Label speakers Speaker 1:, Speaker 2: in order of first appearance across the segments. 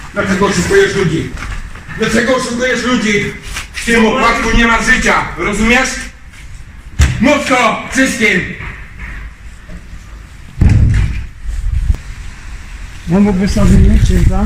Speaker 1: Dlaczego oszukujesz ludzi? Dlaczego oszukujesz ludzi? W tym opłatku nie ma życia, rozumiesz? Mów to wszystkim!
Speaker 2: No mógłby sobie mieć księdza.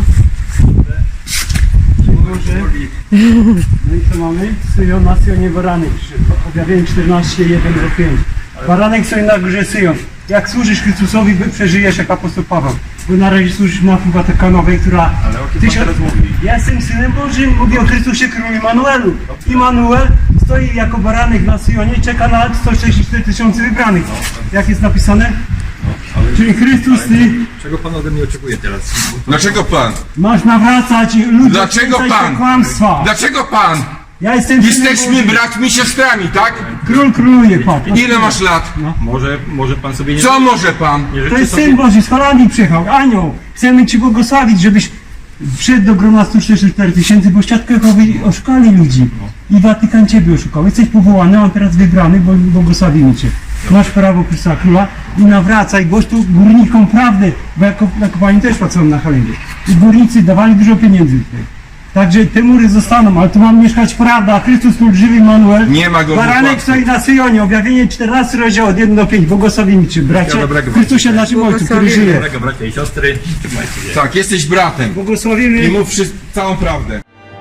Speaker 2: No i co mamy? Syjon na Syjonie baranek. Objawienie 14, 1 do 5. Baranek stoi na górze Syjon. Jak służysz Chrystusowi, przeżyjesz jak apostoł Paweł. Bo na razie służysz mafii watykanowej, która...
Speaker 3: Ale o kim pan teraz mówi?
Speaker 2: Ja jestem Synem Bożym, mówię o Chrystusie Królu Immanuelu. Immanuel stoi jako baranek na Syjonie i czeka na 164 tysiące wybranych. Jak jest napisane? Czyli Chrystus, ty
Speaker 3: Czego pan ode mnie oczekuje teraz?
Speaker 1: Dlaczego pan?
Speaker 2: masz nawracać ludzi,
Speaker 1: Dlaczego
Speaker 2: odrzucać
Speaker 1: pan?
Speaker 2: te kłamstwa.
Speaker 1: Dlaczego pan?
Speaker 2: Ja jestem Synem
Speaker 1: Jesteśmy
Speaker 2: Bożym.
Speaker 1: braćmi, siostrami, tak?
Speaker 2: Król króluje, patrz.
Speaker 1: Ile masz lat?
Speaker 3: Może pan sobie nie...
Speaker 1: Co może pan?
Speaker 3: nie
Speaker 2: To
Speaker 3: życzy
Speaker 2: jest
Speaker 3: sobie...
Speaker 2: Syn Boży, z Holandii przyjechał, anioł. Chcemy Ci błogosławić, żebyś wszedł do grona 164 tysięcy, bo Świadkowie oszukali ludzi. I Watykan Ciebie oszukał. Jesteś powołany, a teraz wybrany, bo błogosławimy Cię. Masz prawo Chrystusa Króla i nawracaj, głoś tu górnikom prawdę, bo jako kopalni też pracują na Halendzie. I górnicy dawali dużo pieniędzy tutaj. Także te mury zostaną, ale tu ma mieszkać prawda, Chrystus Król żywy Immanuel.
Speaker 1: Nie ma go w
Speaker 2: Baranek
Speaker 1: upadku.
Speaker 2: stoi na Syjonie, objawienie 14 rozdział od 1 do 5. Błogosławimy Cię, bracie,
Speaker 3: dobrego,
Speaker 2: w Chrystusie naszym Ojcu, który żyje.
Speaker 3: Dobrego bracia i siostry, trzymajcie się.
Speaker 1: Tak, jesteś bratem. I
Speaker 2: Błogosławimy.
Speaker 1: mów całą prawdę.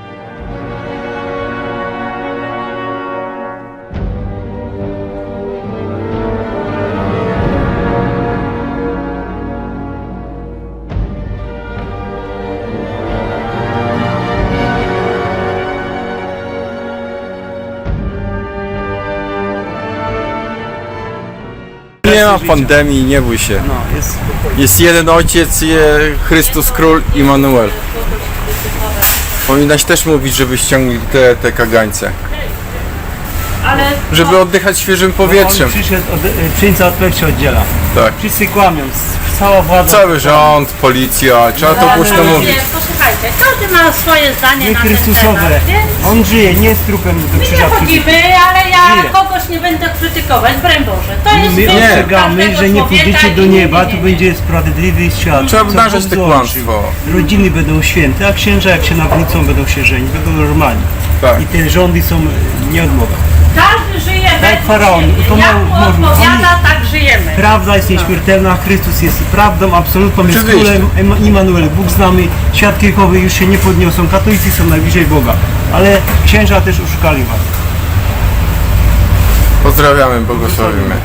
Speaker 4: Nie ma pandemii, nie bój się.
Speaker 2: No, jest.
Speaker 4: Jest jeden Ojciec, Chrystus Król Immanuel. Powinnaś też mówić, żeby ściągnąć te kagańce.
Speaker 5: Ale
Speaker 4: Żeby oddychać świeżym powietrzem.
Speaker 2: On przyszedł, przyjęca od pech się oddziela.
Speaker 4: Tak.
Speaker 2: Wszyscy kłamią, cała władza.
Speaker 4: Cały rząd, policja, trzeba to głośno
Speaker 5: ale
Speaker 4: mówić.
Speaker 5: nie, posłuchajcie, każdy ma swoje zdanie
Speaker 2: My
Speaker 5: na ten
Speaker 2: Chrystusowe.
Speaker 5: temat, więc
Speaker 2: On żyje, nie jest trupem do
Speaker 5: my nie
Speaker 2: krzyża.
Speaker 5: chodzimy, ale ja
Speaker 2: Żyje.
Speaker 5: kogoś nie będę krytykować, broń Boże. To jest
Speaker 2: My
Speaker 5: wybór
Speaker 2: ostrzegamy,
Speaker 5: każdego
Speaker 2: że nie
Speaker 5: człowieka
Speaker 2: pójdziecie
Speaker 5: i
Speaker 2: do nieba,
Speaker 5: nie.
Speaker 2: tu będzie sprawiedliwy świat.
Speaker 4: Trzeba
Speaker 2: Co
Speaker 4: obnażać
Speaker 2: Bóg
Speaker 4: te
Speaker 2: złączył.
Speaker 4: kłamstwo.
Speaker 2: Rodziny będą święte, a księża jak się nawrócą będą się żenić, będą normalni.
Speaker 4: Tak.
Speaker 2: I te rządy są nie od Boga.
Speaker 5: Każdy żyje według
Speaker 2: faraon,
Speaker 5: siebie.
Speaker 2: to
Speaker 5: Jak
Speaker 2: mało
Speaker 5: mu
Speaker 2: można.
Speaker 5: odpowiada, tak żyjemy.
Speaker 2: Prawda jest nieśmiertelna, Chrystus jest prawdą absolutną, jest
Speaker 4: Oczywiście.
Speaker 2: królem Immanuel. Bóg z nami, świadki Jehowy już się nie podniosą, katolicy są najbliżej Boga, ale księża też oszukali was.
Speaker 4: Pozdrawiamy, błogosławimy.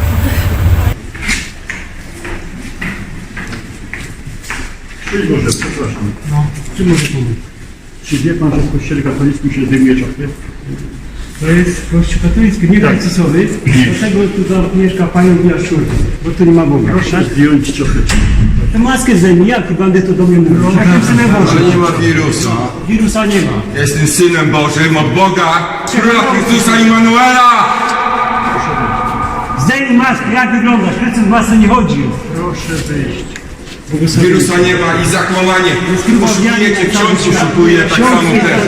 Speaker 6: Szczęść Boże, przepraszam.
Speaker 2: No, czy może pomóc?
Speaker 6: Czy wie Pan, że w Kościele katolickim się zdejmuje czapkę?
Speaker 2: To jest kościół katolicki, nie Chrystusowy, dlatego tu mieszka panią Jaszczurki, bo tu nie ma Boga.
Speaker 6: Proszę zdjąć czapeczkę.
Speaker 2: Tę maskę zdejmij, jak bandy to do mnie mówią. Jakim Synem
Speaker 1: Ale
Speaker 2: Bożym?
Speaker 1: nie ma wirusa.
Speaker 2: Wirusa nie ma.
Speaker 1: Ja jestem Synem Bożym od Boga, Króla Chrystusa Immanuela!
Speaker 2: Zdejmij maskę, jak wyglądasz? Chrystus w masce nie chodził.
Speaker 6: Proszę wyjść.
Speaker 1: Wirusa nie ma i zakłamanie. Oszukujecie, ksiądz oszukuje, tak samo też.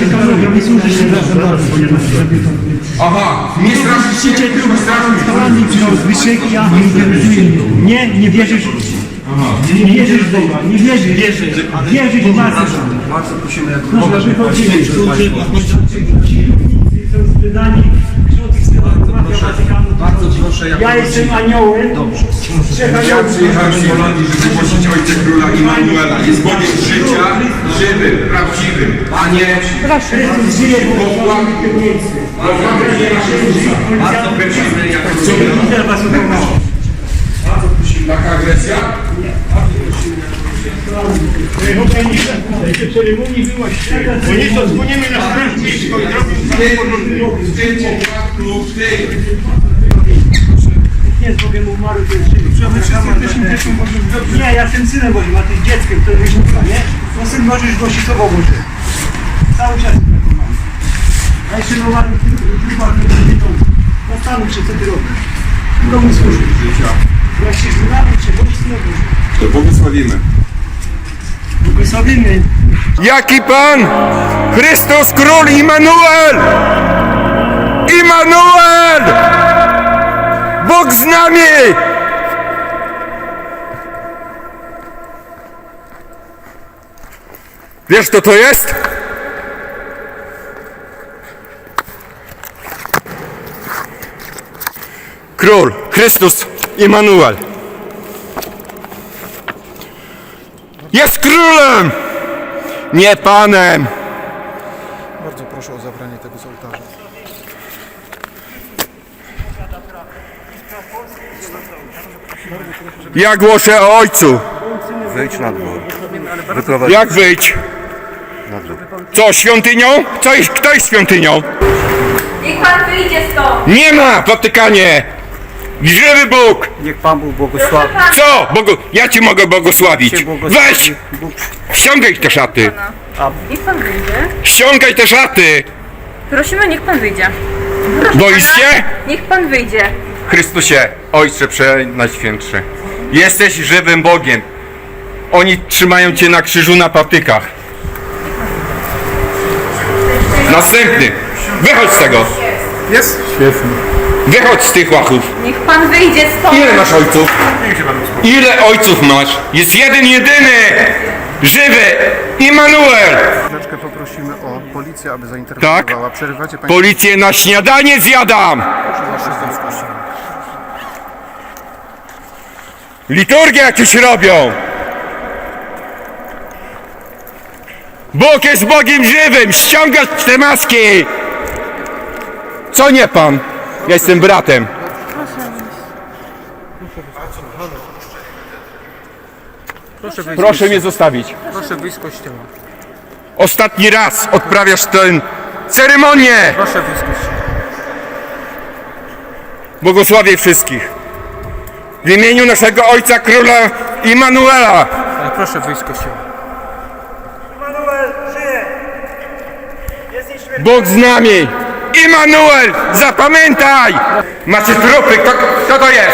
Speaker 1: Aha, nie straszycie, tylko straszycie.
Speaker 2: Nie wierzysz. Nie wierzysz w Boga, nie wierzysz. Wierzysz w masę.
Speaker 6: Bardzo prosimy, jak
Speaker 2: Proszę, wychodzimy. Są sprzedani.
Speaker 6: bardzo proszę, jak
Speaker 2: Ja jestem aniołem. Dobrze.
Speaker 1: Ja przyjechałem z Holandii, żeby głosić Ojca Króla Immanuela. Jest Bogiem życia, żywym, prawdziwym, a nie
Speaker 2: Chrystus żyje w
Speaker 1: Bogiem. Bardzo prosimy, jak
Speaker 2: Widzę was upoważniam.
Speaker 1: taka agresja?
Speaker 6: Oni to dzwonimy na strażnictwo i
Speaker 1: W tym opłatku, w tym.
Speaker 2: Nie, z Bogiem umarł, to jest żywy. Nie, ja jestem Synem Bożym, a ty jest dzieckiem, to jest mówiła, nie? No Syn Boży już głosi Słowo Boże. Cały czas taką mam. A jeszcze nie umarł trupach nieprzyjemnych. Zastanów się, co ty robisz. Komu służysz? Jak się znamy, czy bądź Synem Bożym.
Speaker 1: To błogosławimy.
Speaker 2: Błogosławimy.
Speaker 1: Jaki Pan? Chrystus Król Immanuel! Immanuel! Bóg z nami! Wiesz kto to jest? Król, Chrystus, Immanuel. Jest królem! Nie panem!
Speaker 7: Bardzo proszę o zabranie tego z ołtarza.
Speaker 1: Ja głoszę o Ojcu.
Speaker 7: Wejdź na dwór.
Speaker 1: Jak wyjść? Co, świątynią? Kto jest świątynią?
Speaker 5: Niech pan wyjdzie stąd.
Speaker 1: Nie ma w Watykanie! Żywy Bóg!
Speaker 2: Niech Pan Bóg błogosławi.
Speaker 1: Co? Ja Cię mogę błogosławić. Weź! Ściągaj te szaty!
Speaker 8: Niech pan wyjdzie.
Speaker 1: Ściągaj te szaty!
Speaker 8: Prosimy, niech pan wyjdzie.
Speaker 1: Boisz się?
Speaker 8: Niech pan wyjdzie.
Speaker 1: Chrystusie, Ojcze Przenajświętszy, jesteś żywym Bogiem. Oni trzymają Cię na krzyżu na patykach. Następny. Wychodź z tego.
Speaker 7: Jest? Świetnie.
Speaker 1: Wychodź z tych łachów.
Speaker 8: Niech pan wyjdzie stąd.
Speaker 1: Ile masz ojców? Ile ojców masz? Jest jeden, jedyny! Żywy! Immanuel!
Speaker 7: Chwileczkę poprosimy o policję, aby zainterweniowała. Przerywacie Państwo.
Speaker 1: Policję na śniadanie zjadam! Liturgie jakieś robią! Bóg jest Bogiem żywym! Ściągać te maski! Co nie pan? Ja jestem bratem. Proszę mnie zostawić.
Speaker 3: Proszę wyjść z kościoła.
Speaker 1: Ostatni raz odprawiasz tę ceremonię!
Speaker 3: Proszę wyjść z kościoła.
Speaker 1: Błogosławię wszystkich. W imieniu naszego Ojca Króla Immanuela.
Speaker 3: Ale proszę wyjść z kościoła.
Speaker 1: Bóg z nami. Immanuel, zapamiętaj! Macie trupy, kto to jest?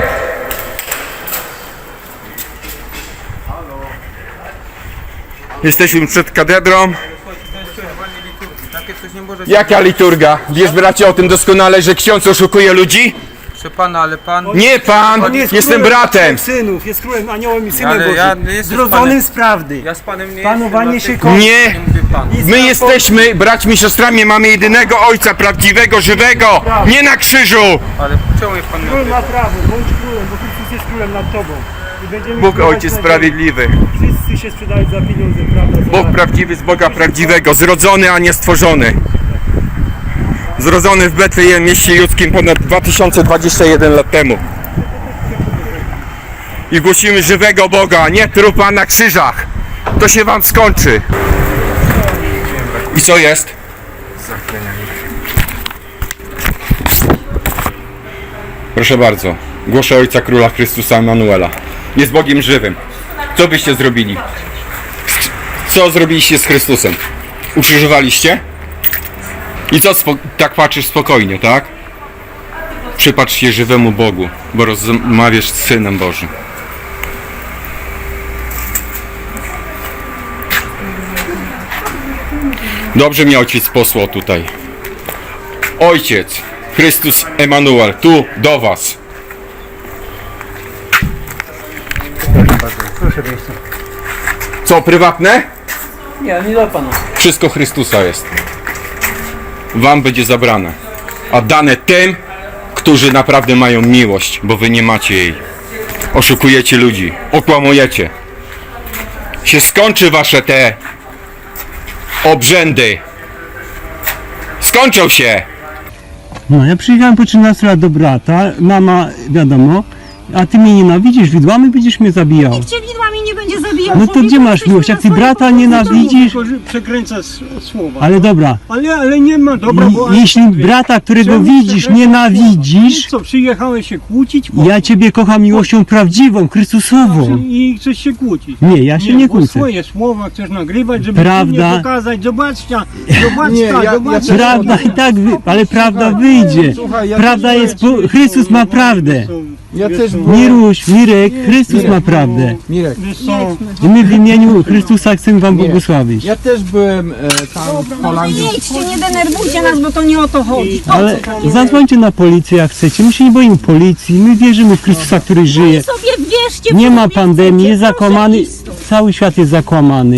Speaker 1: Jesteśmy przed katedrą.
Speaker 3: Takie coś nie może...
Speaker 1: Jaka liturga? Wiesz bracie o tym doskonale, że ksiądz oszukuje ludzi?
Speaker 3: Proszę pana, ale pan...
Speaker 1: Nie pan, jestem bratem.
Speaker 2: Synów, jest królem, aniołem i synem
Speaker 3: Ale ja
Speaker 2: Bożym.
Speaker 3: nie jestem
Speaker 2: Zrodzonym
Speaker 3: panem.
Speaker 2: z prawdy.
Speaker 3: Ja z panem nie
Speaker 2: Panowanie
Speaker 3: jestem,
Speaker 2: się
Speaker 3: dlatego
Speaker 2: kończy.
Speaker 1: Nie,
Speaker 3: nie mówię pan.
Speaker 1: my jesteśmy braćmi, siostrami, mamy jedynego Ojca prawdziwego, żywego, nie na krzyżu.
Speaker 3: Ale czemu jest pan
Speaker 2: Król
Speaker 3: nie
Speaker 2: ma prawo, bądź królem, bo Chrystus jest królem nad tobą. I będziemy
Speaker 1: Bóg
Speaker 2: królować
Speaker 1: Ojciec
Speaker 2: na
Speaker 1: sprawiedliwy.
Speaker 2: ziemi. Wszyscy się sprzedają za pieniądze, prawda? Za...
Speaker 1: Bóg prawdziwy z Boga prawdziwego, zrodzony, a nie stworzony. Zrodzony w Betlejem, mieście judzkim ponad 2021 lat temu. I głosimy żywego Boga, nie trupa na krzyżach. To się wam skończy. I co jest? Proszę bardzo, głoszę Ojca Króla Chrystusa Emanuela. Jest Bogiem żywym. Co byście zrobili? Co zrobiliście z Chrystusem? Ukrzyżowaliście? I co tak patrzysz spokojnie, tak? Przypatrz się żywemu Bogu, bo rozmawiasz z Synem Bożym. Dobrze mnie ojciec posłał tutaj. Ojciec, Chrystus Emanuel, tu do was. Co, prywatne?
Speaker 2: Nie, nie dla Pana.
Speaker 1: Wszystko Chrystusa jest. Wam będzie zabrane. A dane tym, którzy naprawdę mają miłość, bo wy nie macie jej. Oszukujecie ludzi, okłamujecie. Się skończy wasze te obrzędy. Skończą się.
Speaker 2: No, ja przyjechałem po 13 lat do brata, mama, wiadomo, a ty mnie nienawidzisz, widłami będziesz mnie zabijał.
Speaker 9: Cię widłami nie będzie zabijał.
Speaker 2: No to gdzie masz miłość? Jak ty brata nienawidzisz?
Speaker 6: Przekręca słowa.
Speaker 2: Ale dobra,
Speaker 6: Ale nie ma dobra, bo...
Speaker 2: jeśli brata, którego widzisz, nienawidzisz,
Speaker 6: Co, przyjechałeś się kłócić?
Speaker 2: ja ciebie kocham miłością prawdziwą, Chrystusową.
Speaker 6: I chcesz się kłócić.
Speaker 2: Nie, ja się nie
Speaker 6: bo
Speaker 2: kłócę.
Speaker 6: swoje słowa chcesz nagrywać, żeby
Speaker 2: Prawda.
Speaker 6: nie pokazać. Zobaczcie, zobaczcie.
Speaker 2: Prawda i tak, ale prawda wyjdzie. Prawda jest, Chrystus ma prawdę.
Speaker 7: Ja też
Speaker 2: Miruś, Mirek, Chrystus ma prawdę.
Speaker 7: Mirek.
Speaker 2: I my w imieniu Chrystusa chcemy wam błogosławić.
Speaker 7: Ja też byłem tam w Holandii.
Speaker 9: Nie idźcie, nie denerwujcie nas, bo to nie o to chodzi.
Speaker 2: Ale zadzwońcie na policję jak chcecie. My się nie boimy policji, my wierzymy w Chrystusa, który żyje.
Speaker 9: Sobie wierzcie.
Speaker 2: Nie
Speaker 9: w
Speaker 2: ma
Speaker 9: sobie
Speaker 2: pandemii,
Speaker 9: chcecie,
Speaker 2: jest
Speaker 9: proszę
Speaker 2: zakłamany,
Speaker 9: iść stąd.
Speaker 2: cały świat jest zakłamany.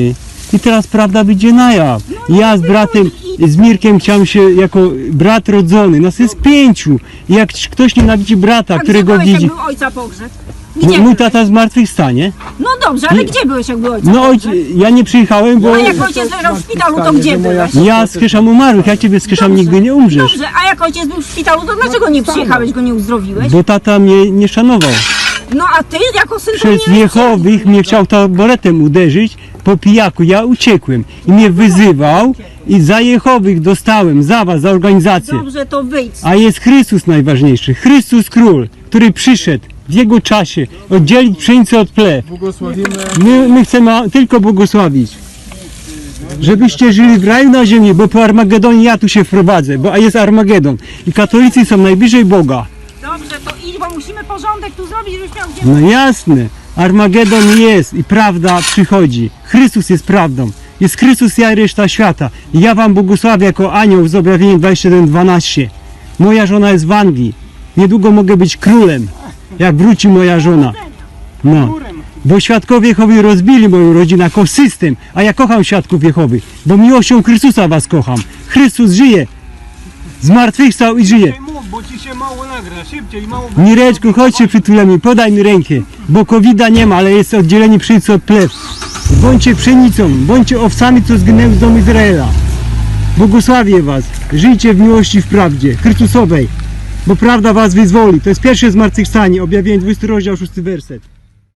Speaker 2: i teraz prawda wyjdzie na jaw. Ja z bratem, z Mirkiem chciałem się jako brat rodzony, nas jest 5. I jak ktoś nienawidzi brata,
Speaker 9: A gdzie
Speaker 2: którego
Speaker 9: byłeś, jak
Speaker 2: widzi,
Speaker 9: był ojca pogrzeb?
Speaker 2: no,
Speaker 9: Gdzie
Speaker 2: mój
Speaker 9: byłeś?
Speaker 2: tata zmartwychwstanie.
Speaker 9: No dobrze, ale gdzie byłeś, jak był ojca
Speaker 2: No
Speaker 9: pogrzeb?
Speaker 2: ja nie przyjechałem, bo
Speaker 9: A jak ojciec leżał w szpitalu, to gdzie byłeś?
Speaker 2: ja skrzeszam umarłych, ja ciebie skrzeszam, nigdy nie umrzesz.
Speaker 9: Dobrze, a jak ojciec był w szpitalu, to dlaczego nie przyjechałeś, go nie uzdrowiłeś?
Speaker 2: Bo tata mnie nie szanował.
Speaker 9: No a ty jako syn to
Speaker 2: Przez
Speaker 9: nie
Speaker 2: Jehowych mnie chciał taboretem uderzyć po pijaku. Ja uciekłem i mnie wyzywał i za Jehowych dostałem, za was, za organizację.
Speaker 9: Dobrze, to wyjdź.
Speaker 2: A jest Chrystus najważniejszy. Chrystus Król, który przyszedł w Jego czasie oddzielić pszenicę od plew. My chcemy tylko błogosławić. Żebyście żyli w raju na ziemi, bo po Armagedonie ja tu się wprowadzę, bo jest Armagedon. I katolicy są najbliżej Boga.
Speaker 9: Dobrze, to idź, bo musimy porządek tu zrobić, żebyś miał gdzie...
Speaker 2: No jasne, Armagedon jest i prawda przychodzi. Chrystus jest prawdą. Jest Chrystus, ja i reszta świata. I ja wam błogosławię jako anioł z objawienia 21:12. Moja żona jest w Anglii. Niedługo mogę być królem, jak wróci moja żona. No. Bo świadkowie Jehowy rozbili moją rodzinę jako system, a ja kocham świadków Jehowy, bo miłością Chrystusa was kocham. Chrystus żyje. Zmartwychwstał i żyje.
Speaker 6: Bo ci się mało nagra, szybciej, mało...
Speaker 2: Mireczku, chodź się przytulemy, podaj mi rękę, bo covida nie ma, ale jest oddzielenie pszenicy od plew. Bądźcie pszenicą, bądźcie owcami, co zginęły z domu Izraela. Błogosławię was, żyjcie w miłości, w prawdzie Chrystusowej, bo prawda was wyzwoli. To jest pierwsze zmartwychwstanie, objawienie 20 rozdział 6 werset.